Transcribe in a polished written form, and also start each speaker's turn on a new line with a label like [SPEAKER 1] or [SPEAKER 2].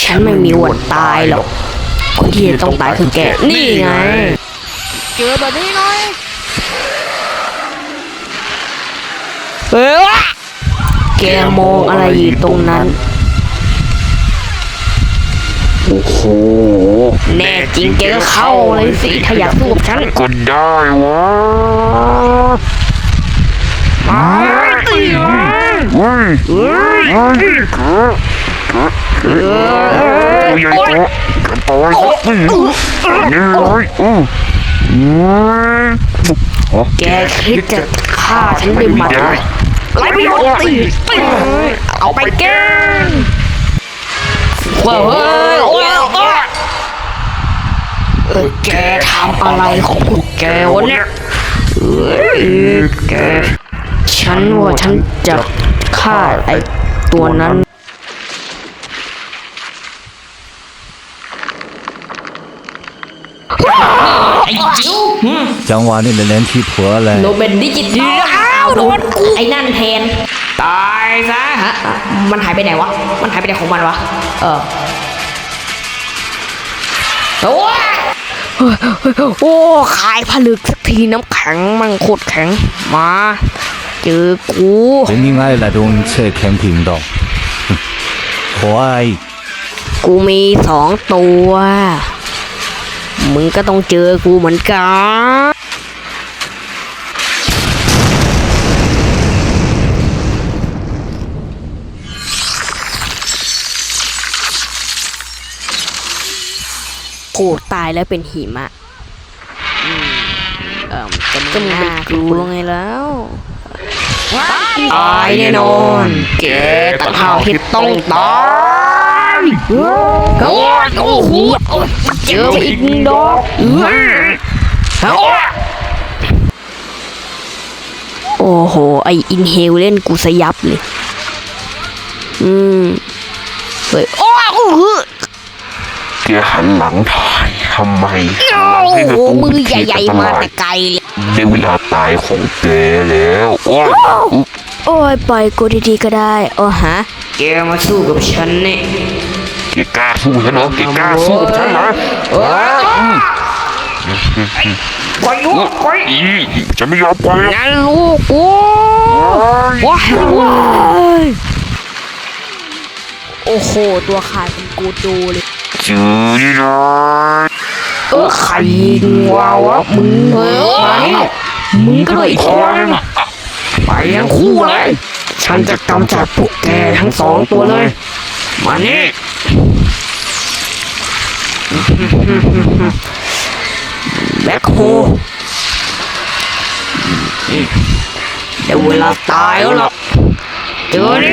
[SPEAKER 1] ฉันไม่มีวันตายหรอกคนที่จะต้องตายคือแกนี่ไงเจอแบบนี้หน่อยแกมองอะไรอยู่ตรงนั้น
[SPEAKER 2] โอ้โห
[SPEAKER 1] แน่จริงแกก็เข้าเลยสิถ้าอยากสู้กับฉัน
[SPEAKER 2] ก็ได้วะ
[SPEAKER 1] ตีเลย
[SPEAKER 2] เฮ้ยเฮ้ยเฮ้ยใหญ่โตกันต่อยนี่เลย
[SPEAKER 1] แกคิดจะฆ่าฉันด้วยหมัดไรไม่ยอมตีเอาไปแกว้าวแกทำอะไรของพวกแกวะเนี่ยแกฉันว่าฉันจะฆ่าไอ้ตัวนั้น
[SPEAKER 3] 讲话你的脸皮破了
[SPEAKER 1] โนเป็นดิจิตอลโดนไอ้นั่นแทนตายซะฮะมันหายไปไหนวะมันหายไปไหนของมันวะโอ้ขายผลึกสักทีน้ำแข็งมันโคตรแข็งมาเจอกู
[SPEAKER 3] 人应该来动车แข็ง平道ควาย
[SPEAKER 1] กูมี2 ตัวมึงก็ต้องเจอกูเหมือนกันโอ้ตายแล้วเป็นหิมะก็มึงเป็นกูไงแล้วตายแน่นอนแกต่างหากที่ต้องตายโอ้โหเจออีกดอกโอ้โหไออินเฮลเล่นกูสยับเลยเฮ้ยโอ้โห
[SPEAKER 2] แกหันหลังถ่ายทำไม
[SPEAKER 1] โอ้โหมือใหญ่ๆมาแต่ไกลเลย
[SPEAKER 2] ได้เวลาตายของแกแล้ว
[SPEAKER 1] โอ้ยปล่อยกูดีๆก็ได้ฮะแกมาสู้กับฉันเนี่ย
[SPEAKER 2] แกกล้าสู้ฉันเหรอแกกล้าสู้กับฉันเหรอ
[SPEAKER 1] ปล่อยลูกปล่อย
[SPEAKER 2] จะไม่ยอมปล่อย
[SPEAKER 1] งั้นลูกกูว้ายโอ้โหตัวขาดเป็นกูดูเลย
[SPEAKER 2] จืดเลย
[SPEAKER 1] ใครยิงวะมึงมึงก็เลยอีกคนไปยังคู่เลยฉันจะกำจัดพวกแกทั้ง2 ตัวเลยมานี่แบ็คโฮเดี๋ยวเวลาตายแล้วล่ะเจอ